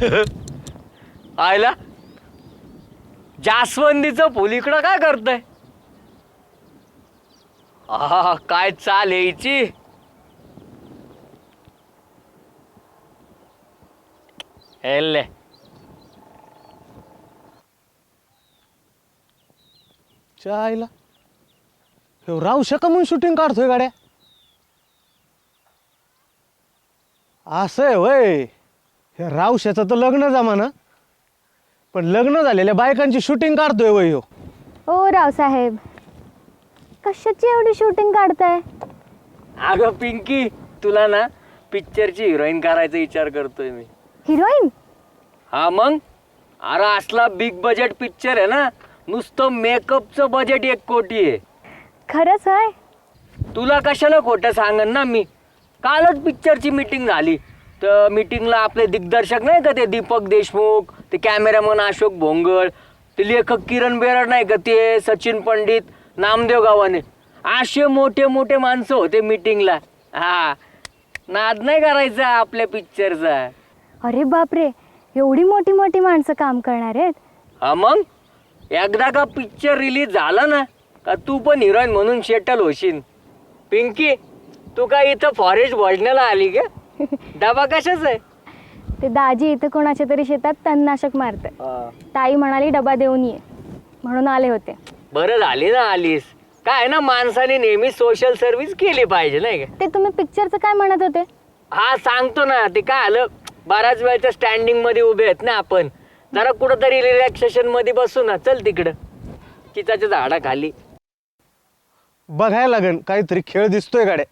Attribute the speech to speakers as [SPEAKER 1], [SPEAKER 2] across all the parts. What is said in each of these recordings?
[SPEAKER 1] आयला जास्वंदीचं फुल इकडं काय करतंय? काय चाल यायची. हेल्ले
[SPEAKER 2] चायला राहू शका म्हणून शूटिंग काढतोय गाड्या. असं आहे वय. हे रावशाचं तर लग्न जमाना, पण लग्न झालेल्या बायकांची शूटिंग काढतोय वय हो.
[SPEAKER 3] ओ रावसाहेब, कशाची एवढी शूटिंग काढताय?
[SPEAKER 1] अगं पिंकी, तुला ना पिक्चरची हिरोईन करायचा विचार करतोय मी.
[SPEAKER 3] हिरोईन?
[SPEAKER 1] हा मग. अरे असला बिग बजेट पिक्चर आहे ना, नुसतं मेकअपचं बजेट 1 कोटी आहे.
[SPEAKER 3] खरंच आहे?
[SPEAKER 1] तुला कशाला खोटं सांगन ना मी. कालच पिक्चरची मीटिंग झाली. तर मीटिंगला आपले दिग्दर्शक नाही का ते दीपक देशमुख, ते कॅमेरामन अशोक भोंगळ, ते लेखक किरण बेरड नाही का ते सचिन पंडित, नामदेव गावाने, असे मोठे मोठे माणसं होते मीटिंगला. हा, नाद नाही करायचा आपल्या पिक्चरचा.
[SPEAKER 3] अरे बापरे, एवढी मोठी मोठी माणसं काम करणार आहेत?
[SPEAKER 1] हा मग. एकदा का पिक्चर रिलीज झाला ना का तू पण हिरोईन म्हणून सेटल होशील. पिंकी, तू काय इथं फॉरेस्ट भोजनाला आली का? डबा कशाच आहे?
[SPEAKER 3] ते दाजी इथं कोणाच्या तरी शेतात तणनाशक मारते. ताई म्हणाली डबा देऊन ये, म्हणून आले होते.
[SPEAKER 1] बरं झाली ना आलीस. काय ना, माणसाने नेहमी सोशल सर्व्हिस केली पाहिजे नाही का?
[SPEAKER 3] ते तुम्ही पिक्चरचं काय म्हणत होते?
[SPEAKER 1] हा सांगतो ना. ते काय आलं, बऱ्याच वेळच्या स्टँडिंग मध्ये उभे आहेत ना आपण, जरा कुठंतरी रिलॅक्सेशन मध्ये बसू ना. चल तिकडं चिचाच्या झाडाखाली.
[SPEAKER 2] बघायला लागन काहीतरी खेळ दिसतोय गाड्या.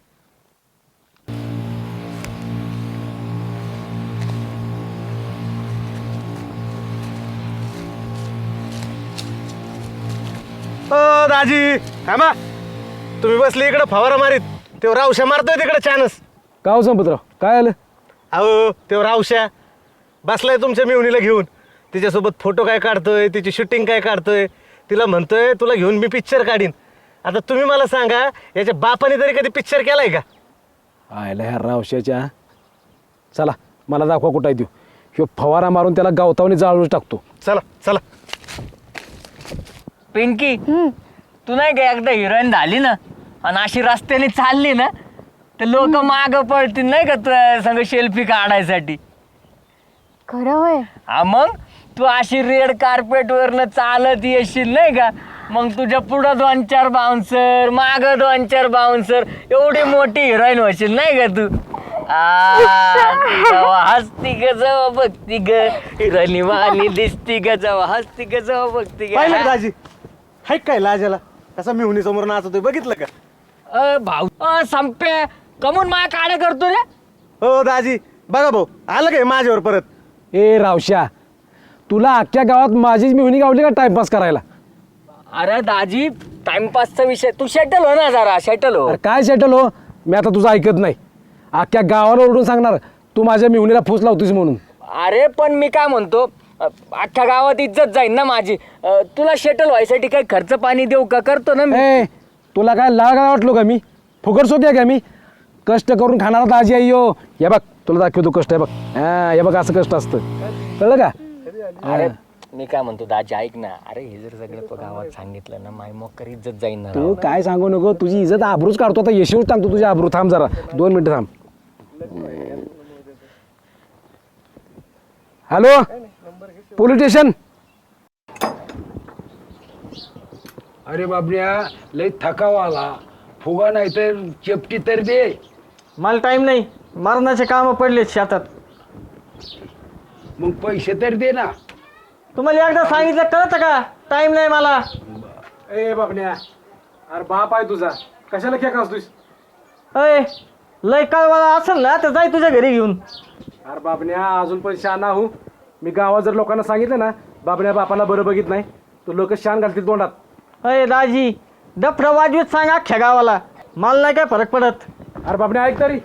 [SPEAKER 2] दाजी थांबा. तुम्ही बसले इकडं फवारा मारीत, ते रावशा मारतोय तिकडे छानच.
[SPEAKER 4] गाव संपतराव, काय आलं?
[SPEAKER 2] अहो ते रावशा बसलाय तुमच्या मिवणीला घेऊन. तिच्यासोबत फोटो काय काढतोय, तिची शूटिंग काय काढतोय. तिला म्हणतोय तुला घेऊन मी पिक्चर काढीन. आता तुम्ही मला सांगा, याच्या बापाने तरी कधी पिक्चर केलाय का?
[SPEAKER 4] आयला ह्या रावशाच्या. चला मला दाखवा कुठं आहे देऊ. ह्यो फवारा मारून त्याला गावतावणी जाळून टाकतो.
[SPEAKER 2] चला चला.
[SPEAKER 1] पिंकी, तू नाही का एकदा हिरोईन झाली ना आणि अशी रस्त्याने चालली ना तर लोक माग पडतील नाही का तुझ्या संग सेल्फी काढायसाठी.
[SPEAKER 3] खरं होय?
[SPEAKER 1] हा मग. तू अशी रेड कार्पेट वरनं चालत येशील नाही का, मग तुझ्या पुढं 2-4 बाउन्सर, माग 2-4 बाउन्सर, एवढी मोठी हिरोईन होशील नाही का तू. हसती ग जवा बघती ग, हिरोईन वाली दिसती ग जवा हसती ग जवा बघती ग.
[SPEAKER 2] पाहिलं का दाजी, हाय काय लाजाला कसा मिवणी समोर नाचतोय, बघितलं का?
[SPEAKER 1] भाऊ संपे कमून माया काढ्या करतो रे.
[SPEAKER 2] हो दाजी बघा भाऊ, आलं काय माझ्यावर परत.
[SPEAKER 4] ए रावशा, तुला अख्ख्या गावात माझीच मिहुनी गावली का टाइमपास करायला?
[SPEAKER 1] अरे दाजी, टाइमपासचा विषय, तू सेटल हो ना जरा, सेटल हो.
[SPEAKER 4] अरे काय सेटल हो, मी आता तुझं ऐकत नाही. अख्ख्या गावाला ओरडून सांगणार तू माझ्या मिहुनीला फूस लावतोस म्हणून.
[SPEAKER 1] अरे पण मी काय म्हणतो, अख्ख्या गावात इज्जत जाईल ना माझी. तुला सेटल व्हायसाठी काही खर्च पाणी देऊ का? करतो ना मी.
[SPEAKER 4] ए तुला काय लागा वाटलो का मी? फुकट सोद्या का मी? कष्ट करून खाणारा दाजी आई यो. हे बघ तुला दाखवतो कष्ट. हे बघ, हा हे बघ असं कष्ट असतं, कळलं का?
[SPEAKER 1] अरे मी काय म्हणतो दाजी, ऐक ना. अरे हे जर सगळं गावात सांगितलं ना, माय मोकर इज्जत जाईल ना.
[SPEAKER 4] तू काय सांगू नको, तुझी इज्जत आबरूच काढतो. आता यशवंत सांगतो तुझी आबरू. थांब जरा 2 मिनिटं थांब. Hello police station.
[SPEAKER 5] अरे बाबड्या, लय थकावा आला. फुगा नाही तर चेपटी तर दे.
[SPEAKER 6] मला टाइम नाही, मरणाचे काम पडले शेतात.
[SPEAKER 5] मग पैसे तर दे ना.
[SPEAKER 6] तुम्हाला एकदा सांगितलं कळतं का? टाइम नाही मला.
[SPEAKER 4] ए बाबण्या, अरे बाप आहे तुझा, कशाला खेळ असतोस?
[SPEAKER 6] अय लय कळवाला असेल ना तर जाय तुझ्या घरी घेऊन.
[SPEAKER 4] अरे बाबण्या, अजून पण शान आहो मी. गावात जर लोकांना सांगितलं ना बाबण्या बापाला बरं बघित नाही, तर लोक शान घालतील तोंडात.
[SPEAKER 6] अय दाजी, डफरा वाजवीत सांग अख्ख्या गावाला, मला नाही काय फरक पडत.
[SPEAKER 4] अरे बाबण्या ऐक तरी.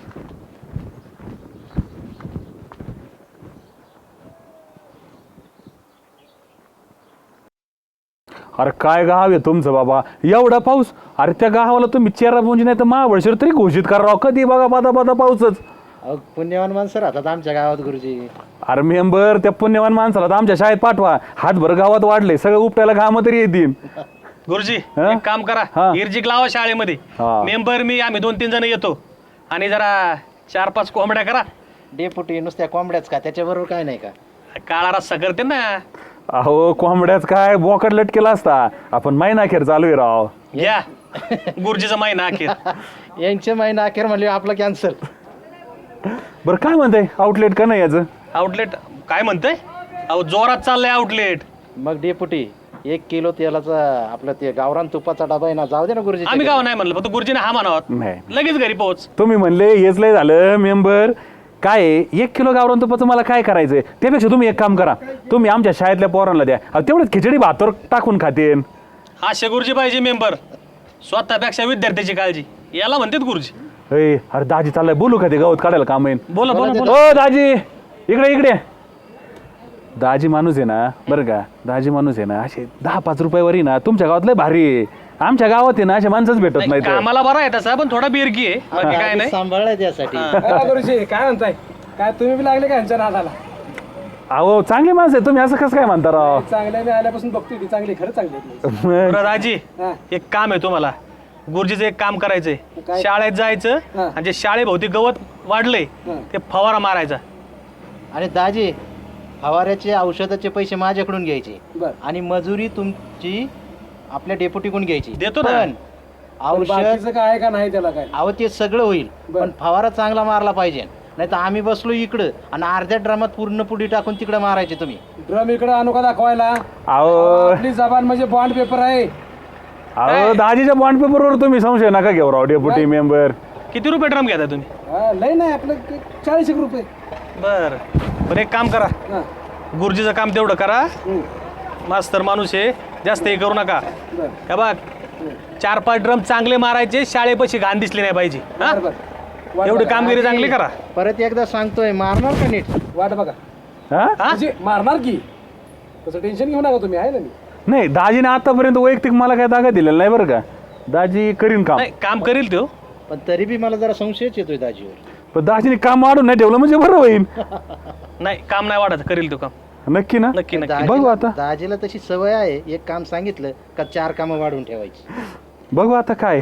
[SPEAKER 7] अरे काय गाव आहे तुमचं बाबा, एवढा पाऊस. अरे त्या गावाला तुम्ही चेहरा पुंजी नाही तर महाबळेश्वर तरी घोषित करा. कधी बघा बादा बादा पाऊसच.
[SPEAKER 2] अहो पुण्यवान माणसं राहतात आमच्या गावात गुरुजी.
[SPEAKER 7] अरे मेंबर त्या पुण्यवान माणसाला तर आमच्या शाळेत पाठवा. हातभर गावात वाढले सगळं उपट्याला घाम तरी येतील.
[SPEAKER 8] गुरुजी
[SPEAKER 7] हा?
[SPEAKER 8] एक काम करा,
[SPEAKER 7] हा.
[SPEAKER 8] इर्जिक लावा शाळेमध्ये.
[SPEAKER 7] हा.
[SPEAKER 8] मेंबर मी आम्ही 2-3 जण येतो आणि जरा 4-5 कोंबड्या करा.
[SPEAKER 2] डेपुटी नुसत्या कोंबड्याच का, त्याच्याबरोबर काय नाही का?
[SPEAKER 8] काळा रस्सा करते ना.
[SPEAKER 7] अहो कोंबड्याच काय बोकड लटकेला असता. आपण महिना अखेर चालू आहे राव.
[SPEAKER 8] घ्या गुरुजीचा महिना अखेर.
[SPEAKER 2] यांचे महिना अखेर म्हणले आपलं कॅन्सल.
[SPEAKER 7] बरं काय म्हणताय आउटलेट का नाही याचं?
[SPEAKER 8] आउटलेट काय म्हणतंय? अहो जोरात चाललंय आउटलेट.
[SPEAKER 2] मग डेपुटी 1 किलो तेलाचा आपलं ते गावरान तुपाचा डबा आहे ना, जाऊ दे ना गुरुजी.
[SPEAKER 8] आम्ही गाव नाही म्हणलं, फक्त गुरुजीने हा म्हणावं.
[SPEAKER 7] नाही.
[SPEAKER 8] लगेच घरी पोहोच.
[SPEAKER 7] तुम्ही म्हणले हेच लय झालं मेंबर. काय आहे, 1 किलो गावरान तुपाचं मला काय करायचंय? त्यापेक्षा तुम्ही एक काम करा, तुम्ही आमच्या शाळेतल्या पोरांना द्या. तेवढंच खिचडी भातावर टाकून खातेन.
[SPEAKER 8] असे गुरुजी पाहिजे मेंबर, स्वतःपेक्षा विद्यार्थ्याची काळजी. याला म्हणतात गुरुजी.
[SPEAKER 7] अरे दाजी चाललाय, बोलू का ते गवत काढायला काम येईन?
[SPEAKER 8] बोला बोला बोला.
[SPEAKER 7] ओ दाजी इकडे इकडे. दाजी माणूस आहे ना, बरं का, दाजी माणूस आहे ना, असे 10-5 रुपयावरी ना तुमच्या गावात लय भारी आहे. आमच्या गावात आहे ना असे माणसंच भेटत
[SPEAKER 8] नाही,
[SPEAKER 7] नाही.
[SPEAKER 8] कामाला बरा आहे तसा, पण थोडा बिरकी आहे, बाकी काय नाही.
[SPEAKER 2] सांभाळलाय त्यासाठी.
[SPEAKER 4] गुरुजी काय म्हणताय? काय तुम्ही बी लागले का यांच्या नादाला?
[SPEAKER 7] अहो चांगली माणसं आहे तुम्ही, असं कसं काय म्हणता राव?
[SPEAKER 4] चांगल्या मी आल्यापासून बघतोय ती चांगली, खरं चांगली.
[SPEAKER 8] बरं दाजी,
[SPEAKER 4] हा.
[SPEAKER 8] एक काम आहे तुम्हाला. गुरुजीचं एक काम करायचंय.
[SPEAKER 4] काय?
[SPEAKER 8] शाळेत जायचं
[SPEAKER 4] हा.
[SPEAKER 8] आणि जे शाळेभोवती गवत वाढलंय
[SPEAKER 4] हा.
[SPEAKER 8] ते फवारा मारायचा.
[SPEAKER 2] आणि दाजी फवाऱ्याचे औषधाचे पैसे माझ्याकडून घ्यायचे
[SPEAKER 4] बर.
[SPEAKER 2] आणि मजुरी तुमची आपल्या डेपुटीकडून घ्यायची.
[SPEAKER 8] देतो ना.
[SPEAKER 2] पण औषध
[SPEAKER 4] बाकीचं काय आहे का नाही त्याला काय?
[SPEAKER 2] अहो ते सगळं होईल,
[SPEAKER 4] बर.
[SPEAKER 2] पण फवारा चांगला मारला पाहिजे. नाही तर आम्ही बसलो इकडं आणि अर्ध्या ड्रामात पूर्ण पुडी टाकून तिकडे मारायचे तुम्ही.
[SPEAKER 4] ड्रम इकडे आणू का दाखवायला?
[SPEAKER 7] अहो
[SPEAKER 4] आपली जबान म्हणजे बॉन्ड पेपर आहे.
[SPEAKER 7] अहो दाजीच्या बॉन्ड पेपरवर तुम्ही संशय नका घेऊ राव डेप्युटी मेंबर.
[SPEAKER 8] किती रुपये ड्रम घेता तुम्ही?
[SPEAKER 4] हा, लय नाही आपलं 40 रुपये.
[SPEAKER 8] बर पण एक काम करा,
[SPEAKER 4] हा.
[SPEAKER 8] गुरुजीचं काम तेवढं करा.
[SPEAKER 4] हम्म.
[SPEAKER 8] मास्तर माणूस आहे, जास्त हे करू नका.
[SPEAKER 4] बर.
[SPEAKER 8] हे बघ 4-5 ड्रम चांगले मारायचे, शाळेपाशी घाण दिसली नाही पाहिजे. हा?
[SPEAKER 4] बर, बर. वाट
[SPEAKER 8] एवढी
[SPEAKER 4] बघा.
[SPEAKER 8] कामगिरी चांगली करा.
[SPEAKER 2] परत एकदा सांगतोय, मारणार का नीट?
[SPEAKER 4] वाट बघा.
[SPEAKER 7] हा?
[SPEAKER 8] हा?
[SPEAKER 4] म्हणजे मारणार की, तसं टेन्शन घेऊ नका तुम्ही, आहे ना मी.
[SPEAKER 7] नाही दाजीने आतापर्यंत वैयक्तिक मला काय दागा दिलेला नाही बरं का. दाजी करीन काम,
[SPEAKER 8] नाही काम करील तो.
[SPEAKER 2] पण तरी बी मला जरा संशयच येतोय दाजीवर.
[SPEAKER 7] पण दाजीने काम वाढून नाही ठेवलं म्हणजे बरं होईल.
[SPEAKER 8] नाही काम नाही वाढत, करील तो काम.
[SPEAKER 7] नक्की ना?
[SPEAKER 8] नक्की नक्की.
[SPEAKER 2] दाजीला-
[SPEAKER 7] बघू आता.
[SPEAKER 2] दाजीला तशी सवय आहे, एक काम सांगितलं का 4 कामं वाढवून ठेवायची.
[SPEAKER 7] बघू आता काय.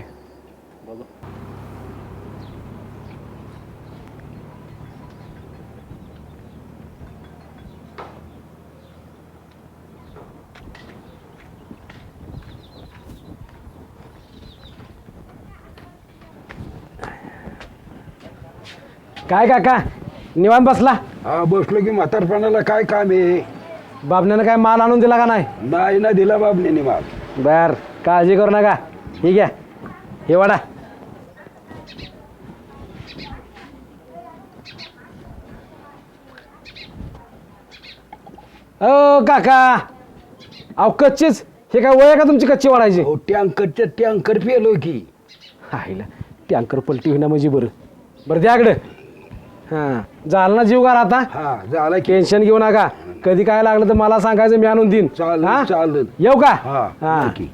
[SPEAKER 4] काय काका निवांत बसला?
[SPEAKER 5] हा बसलो की म्हातारपणाला काय काम आहे?
[SPEAKER 4] बाबण्यानं काय माल आणून दिला का नाही?
[SPEAKER 5] नाही ना दिला बाबने माल.
[SPEAKER 4] बर, काळजी करू नका. ठीक आहे, हे वाडा. ओ काका, अहो कच्चीच, हे काय वय का तुमची कच्ची वाढायची?
[SPEAKER 5] हो टँकरच्या टँकर पेलो की.
[SPEAKER 4] आईला टँकर पलटी होईना म्हणजे बरं. बरं द्याकडे. हां झालं ना जीव गार आता.
[SPEAKER 5] हा झाला की.
[SPEAKER 4] टेन्शन घेऊ नका, कधी काय लागलं तर मला सांगायचं, मी आणून देईन.
[SPEAKER 5] चालेल,
[SPEAKER 4] हां?
[SPEAKER 5] चालेल.
[SPEAKER 4] येऊ का?
[SPEAKER 5] हा
[SPEAKER 4] हां.
[SPEAKER 5] नक्की.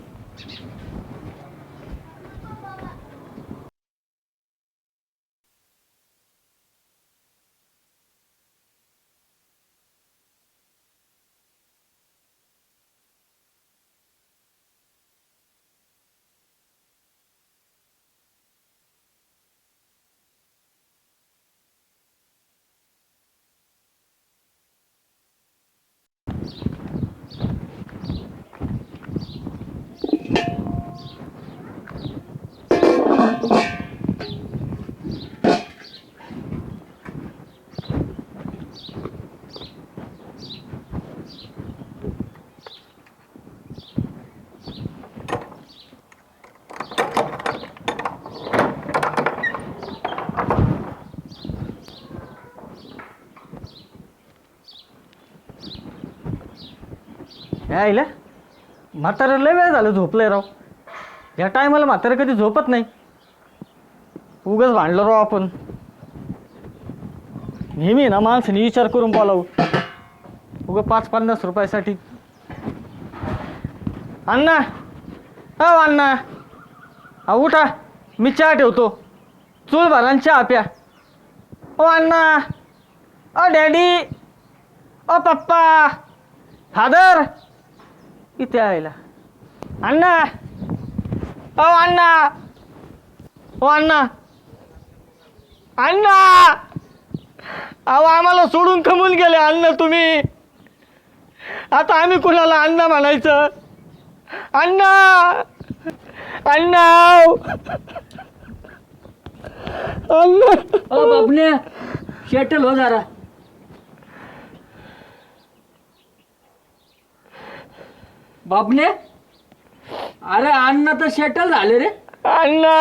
[SPEAKER 6] यायला म्हातारं लय वेळ झालं झोपलंय राव. या टायमाला म्हातारं कधी झोपत नाही. उगाच भांडलो राव आपण. नेहमी ना माणसाने विचार करून बोलावं, उगा 5-50 रुपयासाठी. अण्णा, अ अण्णा, उठा, मी चहा ठेवतो. चूल भरा आणि चहा प्या. ओ अण्णा, ओ डॅडी, ओ पप्पा, फादर, इथे आयला अण्णा, ओ अण्णा, ओ अण्णा, अण्णा, अहो आम्हाला सोडून खमून गेले अण्णा तुम्ही. आता आम्ही कुणाला अण्णा म्हणायचं? अण्णा, अण्णा, अण्णा.
[SPEAKER 1] बाबण्या शेटल हो जरा. बाबण्या, अरे अण्णा तर शेटल झाले रे.
[SPEAKER 6] अण्णा,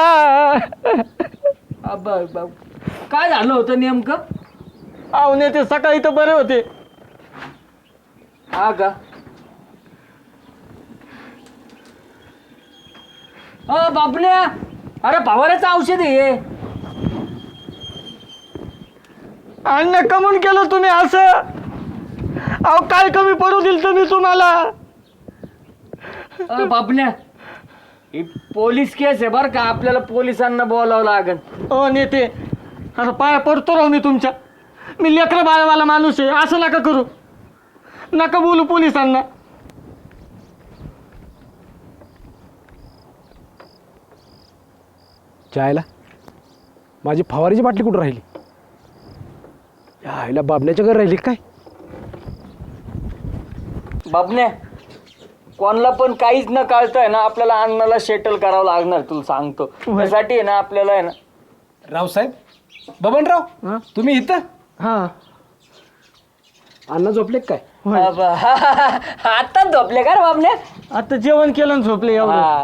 [SPEAKER 1] काय झालं होतं नेमकं?
[SPEAKER 6] अहो ते सकाळी तर बरे होते.
[SPEAKER 1] हा का? बाबण्या, अरे फवाऱ्याचं औषध आहे.
[SPEAKER 6] अण्णा कमून केलं तुम्ही असं? अहो काय कमी पडू दिल तुम्ही तुम्हाला?
[SPEAKER 1] बाबण्या, ही पोलीस केस आहे बरं का, आपल्याला पोलिसांना बोलावं लागेल.
[SPEAKER 6] हो नेते, असं पाया पडतो राहू मी तुमच्या. मी लेकरं बाळवाला माणूस आहे, असं नका करू, नका बोलू पोलिसांना.
[SPEAKER 4] जायला माझी फवारीची बाटली कुठं राहिली? यायला बाबण्याच्या घरी राहिली काय?
[SPEAKER 1] बाबण्या, कोणाला पण काहीच न कळतंय ना, आपल्याला अण्णाला सेटल करावं लागणार, तुला सांगतो. त्यासाठी आहे ना आपल्याला आहे ना.
[SPEAKER 4] रावसाहेब, बबनराव, तुम्ही इथं?
[SPEAKER 6] हां,
[SPEAKER 4] अण्णा झोपले काय?
[SPEAKER 1] आत्ताच झोपले का रे बाबण्या?
[SPEAKER 6] आता जेवण केलं आणि झोपले एवढं.
[SPEAKER 1] हा.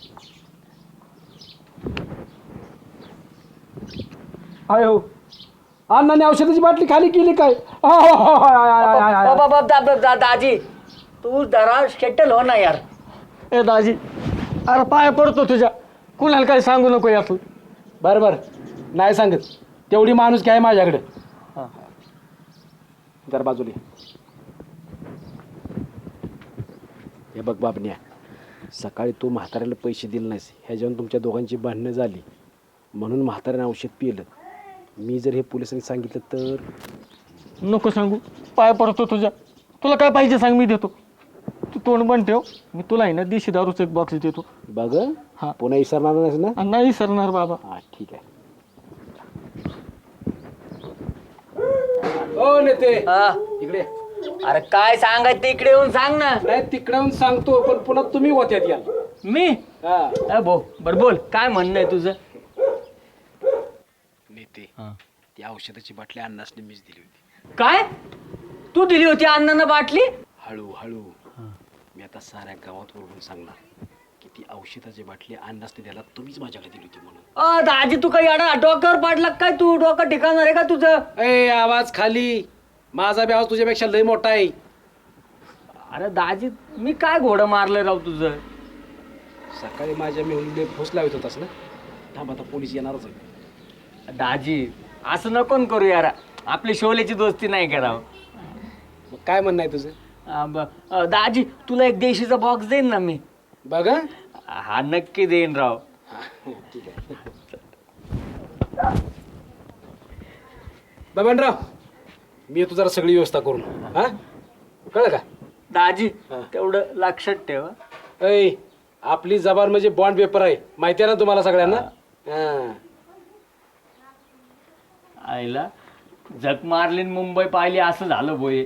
[SPEAKER 4] आय हो, अण्णाने औषधाची बाटली खाली केली काय?
[SPEAKER 1] दाजी, तू जरा सेटल हो ना यार.
[SPEAKER 6] ए दाजी, अरे पाया पडतो तुझ्या, कुणाला काही सांगू नको यातून.
[SPEAKER 4] बरं बरं, नाही सांगत, तेवढी माणूस काय माझ्याकडे. जरा बाजूला ये. हे बघ बाबण्या, सकाळी तू म्हाताऱ्याला पैसे दिले नाहीस, ह्याच्यावरून तुमच्या दोघांची भांडणं झाली, म्हणून म्हाताऱ्याने औषध पिलं. मी जर हे पोलिसांनी सांगितलं तर?
[SPEAKER 6] नको सांगू, पाया पडतो तुझ्या. तुला काय पाहिजे सांग, मी देतो. तू तोंड बंद ठेव, मी तुला आहे ना देशी दारूचं एक बॉक्स देतो.
[SPEAKER 4] बघ
[SPEAKER 6] हा.
[SPEAKER 4] पुन्हा विसरणार नाहीस ना?
[SPEAKER 6] आणि नाही सरणार बाबा.
[SPEAKER 4] हा ठीक आहे. ओ नेते,
[SPEAKER 1] हा.
[SPEAKER 4] इकडे.
[SPEAKER 1] अरे काय सांगायचं ते इकडे येऊन सांग ना.
[SPEAKER 4] नाही तिकडून सांगतो, पण पुन्हा तुम्ही होत्यात या.
[SPEAKER 1] मी भाऊ बर बोल, काय म्हणणं आहे तुझं?
[SPEAKER 4] नेते, ती औषधाची बाटली अण्णासने मीच दिली होती.
[SPEAKER 1] काय तू दिली होती अण्णांना बाटली?
[SPEAKER 4] हळूहळू मी आता साऱ्या गावात ओरडून सांगणार की ती औषधाची बाटली अण्णासने द्यायला तुम्हीच माझ्याकडे दिली होती म्हणून.
[SPEAKER 1] दाजी तू काही अडा डोक्यावर पाडला काय? तू डोकं ठिकाणार आहे का तुझं?
[SPEAKER 4] ए आवाज खाली, माझा बी आवाज तुझ्यापेक्षा लय मोठा आहे.
[SPEAKER 1] अरे दाजी, मी काय घोडं मारलं राव तुझं?
[SPEAKER 4] सकाळी माझ्या मेहुणीने फुस लावत होतास ना, थांब आता पोलीस येणारच आहे.
[SPEAKER 1] दाजी असं नको न करू यार, आपली शोलेची दोस्ती नाही करावं.
[SPEAKER 4] मग काय म्हणणं आहे तुझं?
[SPEAKER 1] दाजी तुला एक देशीचा बॉक्स देईन ना मी.
[SPEAKER 4] बघ
[SPEAKER 1] हा नक्की देईन राव.
[SPEAKER 4] ठीक आहे. बबनराव, मी येतो जरा सगळी व्यवस्था करून. हा कळलं का?
[SPEAKER 1] दाजी तेवढं लक्षात ठेव.
[SPEAKER 4] ऐ, आपली जबान म्हणजे बॉन्ड पेपर आहे, माहिती आहे ना तुम्हाला सगळ्यांना? हा.
[SPEAKER 1] आईला झक मारली न मुंबई पाहिली असं झालं बोये.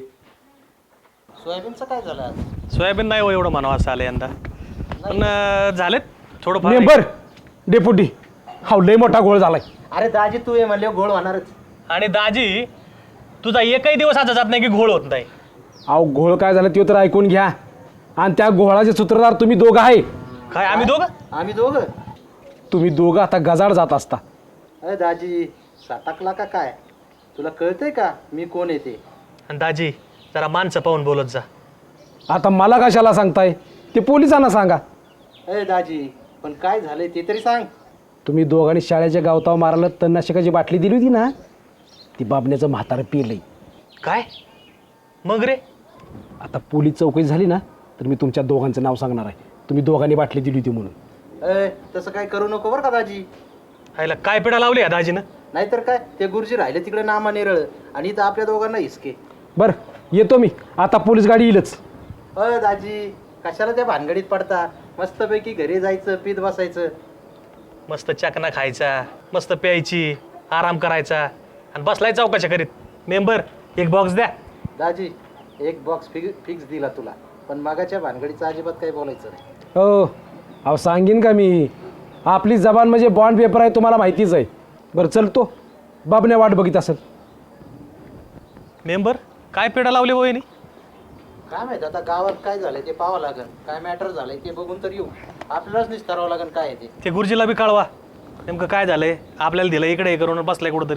[SPEAKER 8] सोयाबीन नाही हो एवढं म्हणावं असं आलं यंदा, पण झालेत थोडंफार.
[SPEAKER 4] मेंबर, डेप्युटी, हा लय मोठा गोळ झालाय.
[SPEAKER 9] अरे दाजी तू ये म्हणले घोळ होणारच.
[SPEAKER 8] आणि दाजी तुझा एकही दिवस असा जात नाही की घोळ होत नाही.
[SPEAKER 4] अहो घोळ काय झालं ते तर ऐकून घ्या. आणि त्या घोळाचे सूत्रधार तुम्ही दोघं आहे.
[SPEAKER 8] काय आम्ही दोघं?
[SPEAKER 9] आम्ही दोघं?
[SPEAKER 4] तुम्ही दोघं आता गजाड जात असता.
[SPEAKER 9] अरे दाजी साताकला का काय? तुला कळतंय का मी कोण येते?
[SPEAKER 8] आणि दाजी जरा माणसं पाहून बोलत जा.
[SPEAKER 4] आता मला कशाला सांगताय? ते पोलिसांना सांगा.
[SPEAKER 9] अरे दाजी पण काय झालंय ते तरी सांग.
[SPEAKER 4] तुम्ही दोघांनी शाळेच्या गावताव मारायला तणनाशकाची बाटली दिली होती ना, ती बाबण्याचं म्हातारं पिलंय.
[SPEAKER 8] काय मग रे?
[SPEAKER 4] आता पोलीस चौकशी झाली ना तर मी तुमच्या दोघांचं नाव सांगणार आहे. तुम्ही दोघांनी बाटली दिली होती म्हणून.
[SPEAKER 9] तसं काय करू नको बरं का दाजी.
[SPEAKER 8] हायला काय पिढा लावली या दाजीनं?
[SPEAKER 9] नाहीतर काय ते गुरुजी राहिले तिकडे नामा नेरळ आणि इथं आपल्या दोघांना हिसके.
[SPEAKER 4] बरं येतो मी, आता पोलीस गाडी येईलच.
[SPEAKER 9] दाजी कशाला त्या भानगडीत पडता? मस्तपैकी घरी जायचं, पीत बसायचं.
[SPEAKER 8] मस्त चकना खायचा, मस्त प्यायची, आराम करायचा आणि बसलाय चौकाच्या करीत. मेंबर एक बॉक्स द्या.
[SPEAKER 9] दाजी एक बॉक्स फिक्स दिला तुला, पण मागाच्या भानगडीचं अजिबात काही बोलायचं नाही.
[SPEAKER 4] हो अहो सांगेन का मी, आपली जबान म्हणजे बॉन्ड पेपर आहे, तुम्हाला माहितीच आहे. बरं चलतो, बाबने वाट बघित असेल.
[SPEAKER 8] मेंबर काय पेढा लावले वहिनी?
[SPEAKER 9] काय माहित आता गावात काय झालंय ते पाहावं लागेल. काय मॅटर झालंय ते बघून तर येऊ. आपल्यालाच निस्तारावं लागेल काय आहे ते.
[SPEAKER 8] ते गुरुजीला बी कळवा नेमकं काय झालंय. आपल्याला दिलं इकडे हे करून बसलाय कुठंतरी.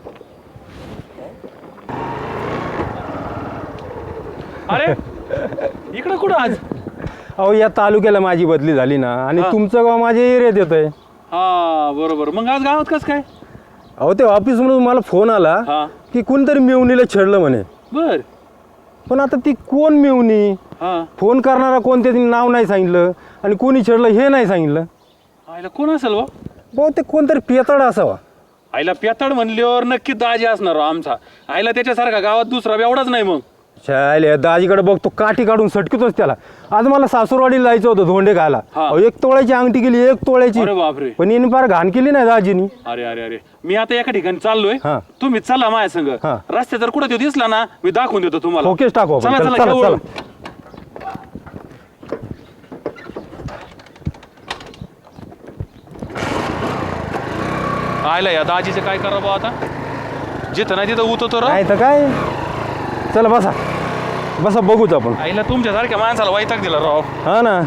[SPEAKER 8] अरे इकडे कुठं आज?
[SPEAKER 10] अहो या तालुक्याला माझी बदली झाली ना, आणि तुमचं गाव माझ्या एरियात येतंय.
[SPEAKER 7] हा बरोबर. मग आज गावात कसं काय?
[SPEAKER 10] अहो ते ऑफिसमधून मला फोन आला
[SPEAKER 7] हा
[SPEAKER 10] की कोणतरी मेवणीला छेडलं म्हणे.
[SPEAKER 7] बर.
[SPEAKER 10] पण आता ती कोण मेवणी,
[SPEAKER 7] हा
[SPEAKER 10] फोन करणारा कोण, ते नाव नाही सांगितलं आणि कोणी छेडलं हे नाही सांगितलं.
[SPEAKER 7] आईला कोण असेल बा?
[SPEAKER 10] बहुतेक कोणतरी पेताड असावा.
[SPEAKER 7] आईला पेताड म्हणल्यावर नक्की दाजी असणार हो आमचा. आईला त्याच्यासारखा गावात दुसरा एवढाच नाही. मग
[SPEAKER 10] शाळेला दाजीकडे बघतो, काठी काढून सटकतोच त्याला. आज मला सासूरवाडीला जायचं होतं धोंडे खायला.
[SPEAKER 7] हा.
[SPEAKER 10] अहो, 1 तोळ्याची अंगठी केली, 1 तोळ्याची.
[SPEAKER 7] अरे बापरे.
[SPEAKER 10] पण यांनी फार घाण केली नाही दाजीनी.
[SPEAKER 7] अरे अरे अरे मी आता एका ठिकाणी चाललोय.
[SPEAKER 10] हा.
[SPEAKER 7] तुम्ही चला माझ्या संग.
[SPEAKER 10] हा.
[SPEAKER 7] रस्त्यात जर कुठे दिसला ना मी दाखवून देतो तुम्हाला.
[SPEAKER 10] ओकेच टाकू आपण.
[SPEAKER 7] चला
[SPEAKER 10] चला,
[SPEAKER 7] चला
[SPEAKER 10] चला,
[SPEAKER 7] घेऊन. आयला या दाजीचं काय करा बा आता. जिथं नाही तिथं उतरतो राव.
[SPEAKER 10] नाही तर काय. चला बसा बसा, बघूच आपण.
[SPEAKER 7] आईला तुमच्यासारख्या माणसाला वैताग दिला राव.
[SPEAKER 10] हा ना.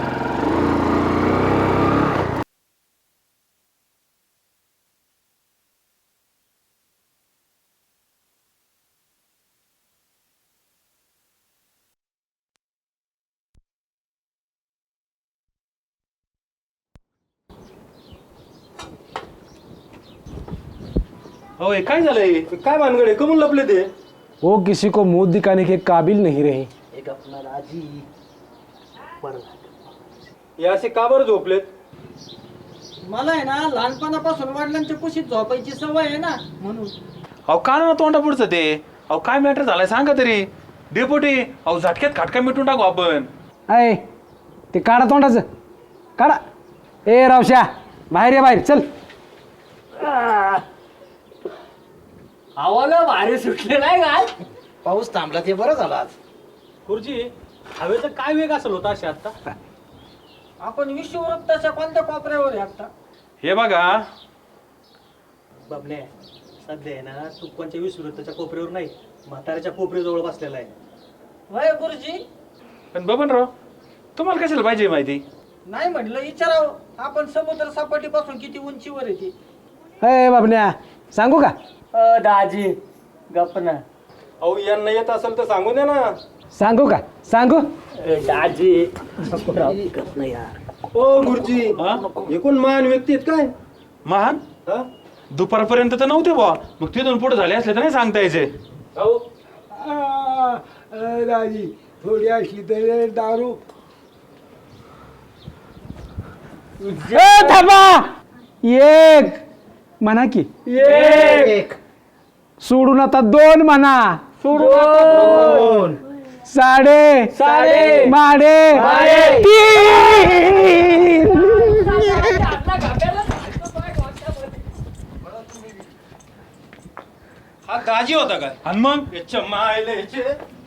[SPEAKER 7] होय काय झालंय?
[SPEAKER 10] काय भानगडे कमून लपले ते?
[SPEAKER 4] वो किसी को मुंह दिखाने के काबिल नहीं रहे.
[SPEAKER 9] एक अपना दाजी
[SPEAKER 10] हे असे का बरं झोपलेत?
[SPEAKER 6] मला आहे ना लहानपणापासून वडिलांच्या कुशीत झोपायची सवय आहे ना, म्हणून.
[SPEAKER 7] अहो का ना तोंडा पुढचं ते. अहो काय मॅटर झालाय सांगा तरी. डेपोटी अहो झटक्यात खाटका मिटून टाकू आपण.
[SPEAKER 4] आहे ते काढा तोंडाचं, काढा. ए रावश्या बाहेर या, बाहेर चल.
[SPEAKER 1] हवाला भारी सुटले नाही काय?
[SPEAKER 9] पाऊस थांबला ते बरं झालं आज.
[SPEAKER 8] गुरुजी हवेचा काय वेग असेल होता असे आता?
[SPEAKER 6] आपण विषुववृत्ताच्या कोणत्या कोपऱ्यावर आहे आता?
[SPEAKER 7] हे बघा
[SPEAKER 8] बाबने सध्या आहे ना तू कोणत्या विसुरताच्या कोपऱ्यावर नाही, म्हाताऱ्याच्या कोपऱ्याजवळ बसलेला आहे.
[SPEAKER 6] वय गुरुजी
[SPEAKER 7] पण बबनराव तुम्हाला कशाला पाहिजे माहिती?
[SPEAKER 6] नाही म्हटलं विचारावं, आपण समुद्र सपाटीपासून किती उंचीवर आहे ती.
[SPEAKER 4] ए बाबन्या सांगू का?
[SPEAKER 1] दाजी गप्प ना.
[SPEAKER 10] अहो यांना येत असेल तर सांगू दे ना.
[SPEAKER 4] सांगू का? सांगू.
[SPEAKER 1] दाजी
[SPEAKER 10] ओ गुरुजी, हे कोण महान व्यक्ती आहेत काय?
[SPEAKER 7] महान
[SPEAKER 10] हा?
[SPEAKER 7] दुपारपर्यंत तर नव्हते बा. मग तिथून पुढे झाले असले तर नाही सांगता यायचे.
[SPEAKER 10] अहो
[SPEAKER 5] दाजी थोडी अशी तरी दारू.
[SPEAKER 4] थांबा. एक म्हणा की,
[SPEAKER 9] एक
[SPEAKER 4] सोडून आता 2 म्हणा.
[SPEAKER 1] सोडून
[SPEAKER 4] साडे माडे 3.
[SPEAKER 8] हा दाजी होता काय?
[SPEAKER 7] आणि मग
[SPEAKER 8] याच्या मायले याचे.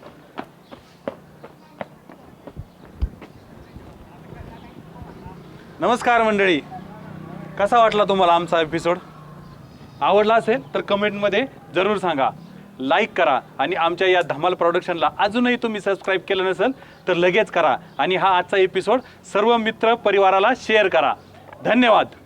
[SPEAKER 7] नमस्कार मंडळी, कसा वाटला तुम्हाला आमचा एपिसोड? आवडला असेल तर कमेंटमध्ये जरूर सांगा. लाईक करा आणि आमच्या या धमाल प्रोडक्शनला अजूनही तुम्ही सबस्क्राईब केलं नसेल तर लगेच करा आणि हा आजचा एपिसोड सर्व मित्र परिवाराला शेअर करा. धन्यवाद.